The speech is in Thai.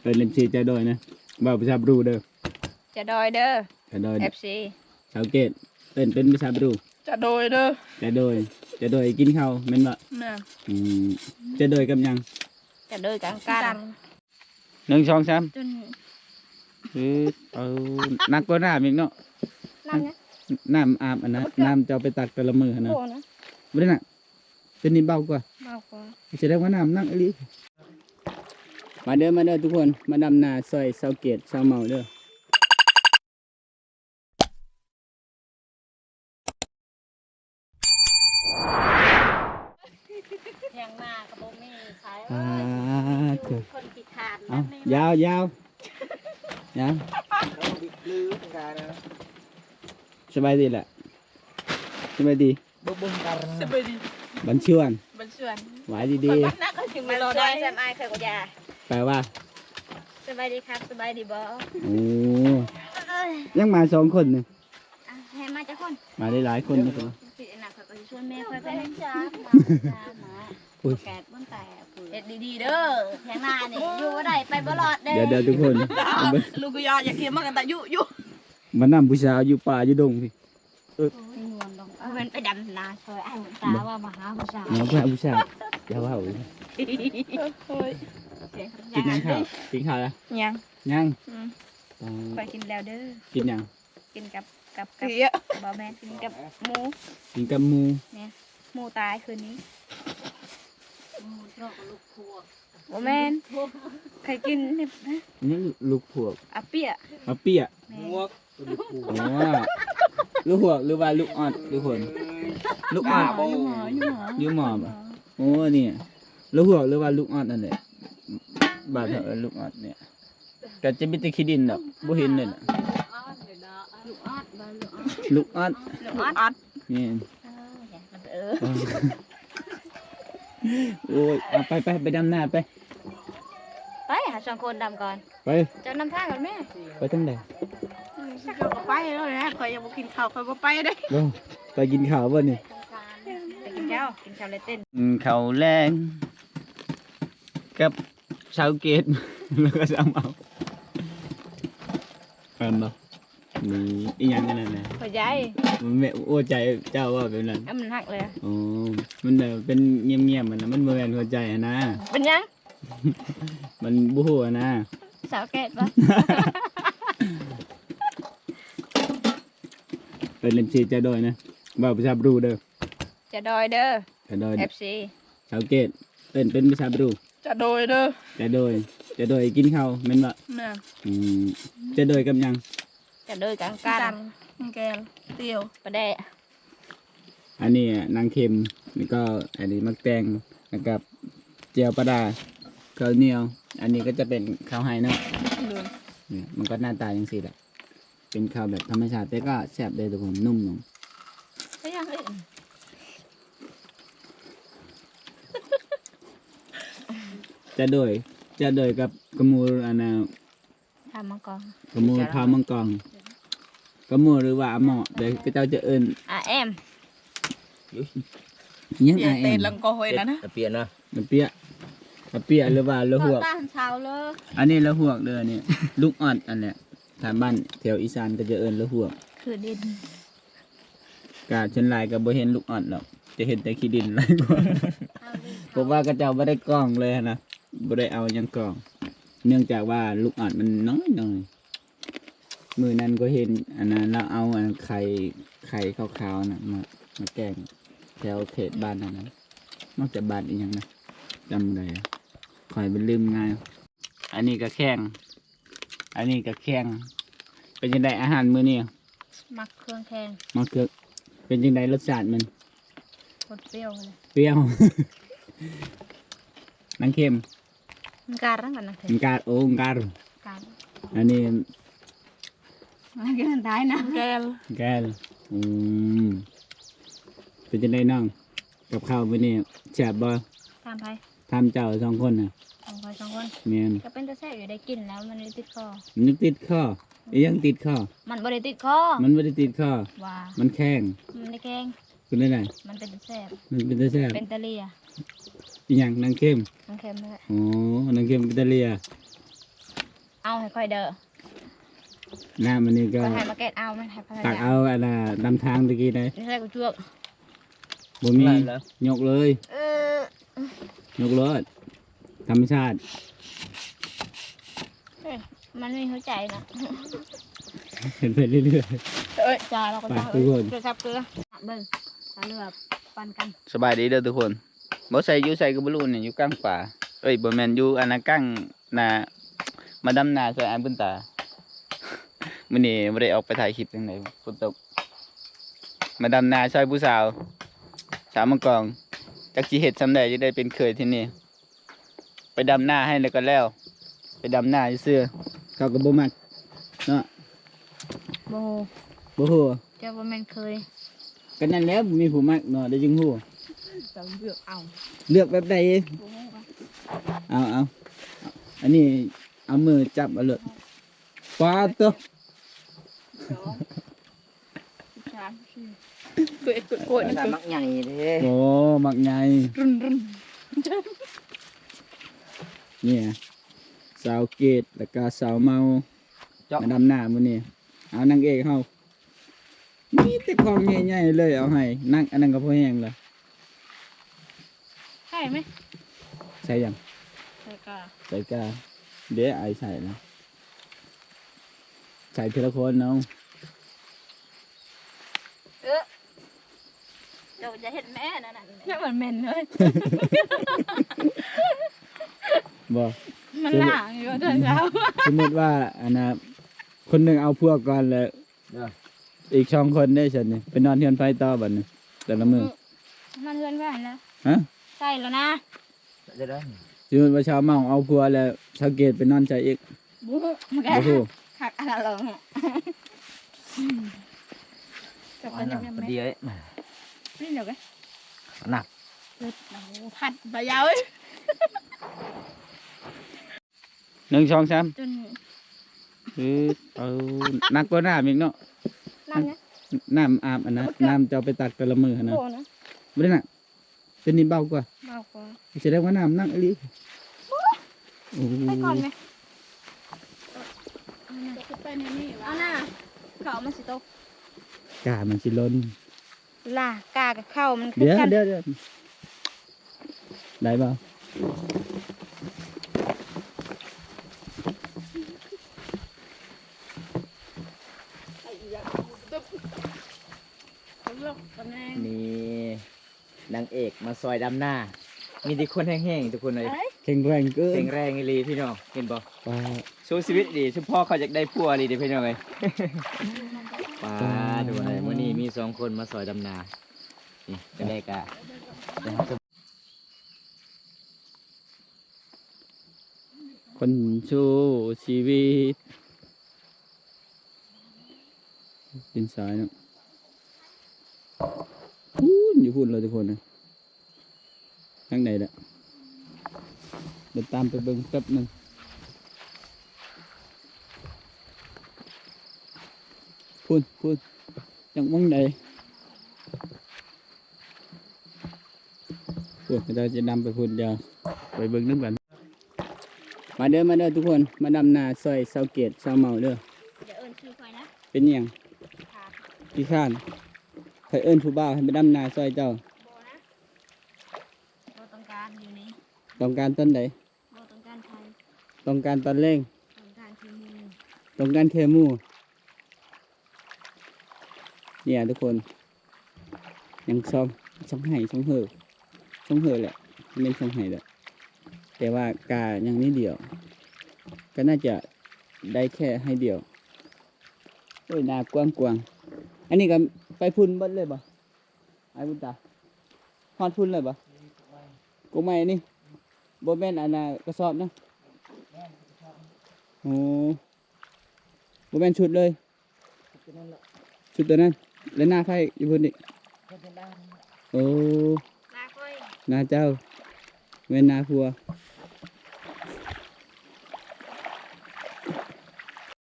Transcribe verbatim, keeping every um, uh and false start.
เป็นเล่นซีจะโดยนะบ่าวภาษาบรูเด้อจะดอยเด้อจะโดยเอฟซีชาวเกตเป็นเป็นภาษาบรูจะโดยเด้อจะโดยจะโดยกินข้าวแม่นบ่แม่อืมจะโดยกับยังจะโดยกลางกันหนึ่งสองสามจนคือเอานักก็น้ำอีกเนาะน้ำอาบอันนะน้ำจะเอาไปตักแต่ละมือนะไม่ได้หนักเป็นนิดเบากว่าเบากว่าแสดงว่าน้ำนักอีหลีมาเด้อมาเด้อทุกคนมาดำนาซอยเสาเกตเสาเมาเด้อยังมากระโปรงนี่ใช้คนขี้ขาดเอายาวยาวยาวสบายดีแหละสบายดีสบายดีบันชวนบันชวนหวายดีดีนักก็ถึงมาได้แซมไอเคยกับยาแปลว่าสบายดีครับสบายดีบอโอ้ยังมาสองคนเนี่ยให้มาจากคนมาได้หลายคนนะครับพี่นักเขาก็ชวนแม่ค่อยไปเล่นจ้ามาแกะบ้างแต่เด็ดดีๆเด้อแทงหน้านี่อยู่ว่าได้ไปบลอดเด้อเดี๋ยวเดี๋ยวทุกคนลูกก็ยอดอยากเคี้ยวมากกันแต่ยุยุมันนำผู้สาวอยู่ป่าอยู่ดงพี่เออมันไปดำนาซอยไอ้หุ่นตาว่ามาหาผู้สาวมาหาผู้สาวอย่าว่าเลยกินยังข้าวกินข้าวแล้วยังยังไปกินแล้วเด้อกินยังกินกับกับกับบอแมนกินกับหมูกินกับหมูเนี่ยหมูตายคืนนี้บอแมนใครกินเนี่ยนี่ลูกพวกอาเปียอาเปียหวกอ๋อลูกพวกหรือว่าลูกออดลูกคนลูกออดยูหมอบโอ้เนี่ยลูกพวกหรือว่าลูกออดนั่นแหละบาดเถอะลูกออดเนี่ยก็จะมีแต่ขี้ดินแบบบ่เห็นเลยนะลูกออดลูกออดลูกออดนี่โอ้ยเอาไปไปไปดำหน้าไปไปหาสองคนดำก่อนไปจะนำทางก่อนแม่ไปตั้งแต่เขาก็ไปแล้วนะคอยยังบ่กินข้าวคอยบ่ไปได้ไปกินข้าวบ่เนี่ยไปกินข้าวกินข้าวเลยเต้นข้าวแรงกับชาวเกตแล้วก็สามเอาเห็นบ่นี่อีหยังกันนั่นน่ะพอใจมันแม่โอ้ใจเจ้าว่าแบบนั้นมันหักเลยอ๋อมันแบบเป็นเงียบๆมันนะมันบ่แม่นหัวใจนะเป็นยังมันบ่ฮู้นะสาวแก่ปะเป็นเล่นซีจะโดยนะบ่าวภาษาบรูเด้อจะดอยเด้อจะโดยเอฟซีชาวเกตเป็นเป็นภาษาบรูจะโดยเด้อจะโดยจะโดยกินข้าวแม่นบ่แม่อืมจะโดยกับยังจะโดยกลางกันแกงเตียวปลาแดะอันนี้นางเค็มแล้วก็อันนี้มักแตงแล้วก็เจียวปลาดาข้าวเหนียวอันนี้ก็จะเป็นข้าวไฮเนาะเนี่ยมันก็หน้าตาอย่างสี่แหละเป็นข้าวแบบธรรมชาติแต่ก็แซ่บเลยทุกคนนุ่มลงไม่ยังเลยจะโดยจะโดยกับกระมูอันน่ะทามังกรกระมูทามังกรกระมูหรือว่าหม้อเดี๋ยวก็เจ้าจะเอิ้นอาแอมยังอาแอมเตะลังกอยแล้วนะเปลี่ยนนะเปียเปียหรือว่าละหวกอันนี้ละหวกเด้อเนี่ยลูกออดอันเนี้ยทางบ้านแถวอีสานก็จะเอิ้นละหวกคือดินกาชนลายก็บ่เห็นลูกออดหรอกจะเห็นแต่ขี้ดินหลายกว่าเพราะว่ากระเจ้าบ่ได้กล้องเลยนะบ่ได้เอายังกล้องเนื่องจากว่าลูกออดมันน้อยหน่อยมือนั้นก็เห็นอันนั้นเราเอาอันไข่ไข่ขาวๆนะมามาแกงแถวเขตบ้านนั้นนะนอกจากบ้านอีกอย่างนะจำได้คอยเป็นลืมง่ายอันนี้ก็แข้งอันนี้ก็แข้งเป็นยังไงอาหารมื้อนี้มักเครื่องแข้งมักเครื่องเป็นยังไงรสชาติมันเปรี้ยวเลยเปรี้ยวนังเค็มการนั่งกันนังเค็มการโอ้การการอันนี้มันก็ท้ายนะแกลแกลอืมเป็นยังไงน้องกับข้าวมื้อนี้แซ่บบ่ทำไปทำเจ้าสองคนน่ะสองคนสองคนเมียนก็เป็นตะแซ่บอยู่ได้กินแล้วมันติดคอมันติดคอยังติดคอมันไม่ได้ติดคอมันไม่ได้ติดคอว่ามันแข็งมันไม่แข็งเป็นได้ไงมันเป็นตะแซ่บมันเป็นตะแซ่บเป็นตะเลียอีหยังนางเข้มนางเข้มเลยอ๋อนางเข้มเป็นตะเลียเอาให้ค่อยเด้อน้ำมันนี่ก็ก็ให้มาเก็ตเอามันให้พัฒตักนาเอาอันน่ะนำทางตะกี้ได้นี่ใช่กูช่วยบ่มียกเลยเออยกเลยธรรมชาติเอ้ยมันไม่เข้าใจนะเห็นไปเรื่อยเอ้ยจ้าเราก็จ้าไปทุกคนเกลือครับเกลือเบิ่งตาเลือบปันกันๆสบายดีเด้อทุกคนบ่ใส่อยู่ใส่ก็บ่รู้นี่อยู่กลางป่าเอ้ยบ่แม่นอยู่อันน่ะกลางนามาดำนาใส่อันเพิ่นตา มื้อนี้บ่ได้ออกไปถ่ายคลิปจังไดฝนตกมาดำนาช่วยผู้สาวสาวมังกรจักสิเฮ็ดซำใดจะได้เป็นเคยที่นี่ไปดำนาให้แล้วก็แล้ว ไปดำนาซื่อๆเขาก็บ่มักเนาะโบบ่ฮู้เจ้าบ่แม่นเคยก็นั่นแหล้วมีผู้มักเนาะได้จึงฮู้เราเลือกเอาเลือกแบบใดโบ่ฮู้ว่าเอาเอาเอาอันนี้เอามือจับเอาเลยปลาตัวสองสามสี่ตัวเอ็ดตัวโกดนี่คือมักใหญ่เด้โอ้มักใหญ่รุนรุนเนี่ยสาวเกตแล้วก็สาวเมามาดำหน้ามื้อนี้เอานางเอกเฮามีแต่ของใหญ่ๆเลยเอาให้นั่งอันนั้นก็พอแห้งละใช่ไหมใส่ยังใช่ก็ใส่กาเดี๋ยวไอใส่นะใส่ทีละคนเนาะเออเดี๋ยวจะเห็นแม่นั่นน่ะเนี่ยมันเหม็นเลยบ่มันหลางอยู่ตอนเช้าสมมติว่าอันนะคนหนึ่งเอาพวกก่อนแล้วอีกสองคนได้ฉันนี่ไปนอนเทือนไฟต่อบัดนี้แต่ละมือมันเลื่อนไปแล้วฮะใช่แล้วนะจะได้สมมติว่าชาวเมาเอาพัวแล้วชาวเกตไปนอนใจอีกบู๊มันแกโอ้โหขักอะไรลงอ่ะกับอัมัน นนั้ยังนไม่เดียวเอ๊ะนี่เดี๋ยวกันหนักโอ้โหผัดใบยาวเอ้ยหนึ่งสองสามจนคือเอานักก็น้ำอีกเนาะนั่นนะน้ำอาบอันนั้นน้ำจะเอาไปตักแต่ละมือนะโบนะไม่ได้หนักเป็นนินเบากว่าเบากว่าแสดงว่าน้ำนักอีหลีโอ้โหไปก่อนไหมไปในนี่เอาหน้าเขามันสิตกกามันสิล้นล่ะกากับเข้ามันคือเดี๋ยวกันเดี๋ยวเดี๋ยวได้เปล่านี่นางเอกมาซอยดำหน้า มีแต่คนแห้งๆทุกคนเลยแข็งแรงเกิแข็นงแรงอีหลีพี่น้องเห็นบ่ปลาสู้ชีวิตดีชุพ่อเขาอยากได้ผัวอีหลีเด้อพี่น้องเอ้ยป้าดูอะไรมื้อนี้มีสองคนมาซอยดำนานี่ก็ได้กะเดี๋ยวเราจะคนชูชีวิตดินสายเนาะพูนอยู่พูนเลยทุกคนนะทางไหนละเดี๋ยวตามไปเบิ่งแป๊บหนึงพูนพูนจังมองใดพูนเราจะนำไปพูนเดียวไปเบิ่งน้ำกันมาเด้อมาเด้อทุกคนมาดำนาซอยเสาเกตเสาเมาเด้อเดี๋ยวเอิญชื่อคอยนะเป็นหยังค่ะพี่ข้านใครเอิ้นผู้บ่าวให้ไปดำนาซอยเจ้าโบนะโบต้องการอยู่นี่ต้องการต้นใดโบต้องการไทยต้องการตอนเร่งต้องการทีมือต้องการเคมูเนี่ยทุกคนยังช่องช่องไห้ช่องเห่อช่องเห่อแหละไม่เป็นช่องไห้แหละแต่ว่ากายังนิดเดียว ก็น่าจะได้แค่ให้เดียวโอ้ยนากว้างกวางๆอันนี้ก็ไปพุ่นเบดเลยบ่ไอ้บุญตาฮอดพุ่นเลยบ่กูไม่นี่บ่แม่นอันน่ะกระสอบนะโอ้บ่แม่นชุดเลย ชุดตัวนั้นแล้วหน้าไผ่อยู่พุ่นนี่โอ้นาคอยหน้าเจ้าแม่นหน้าผัว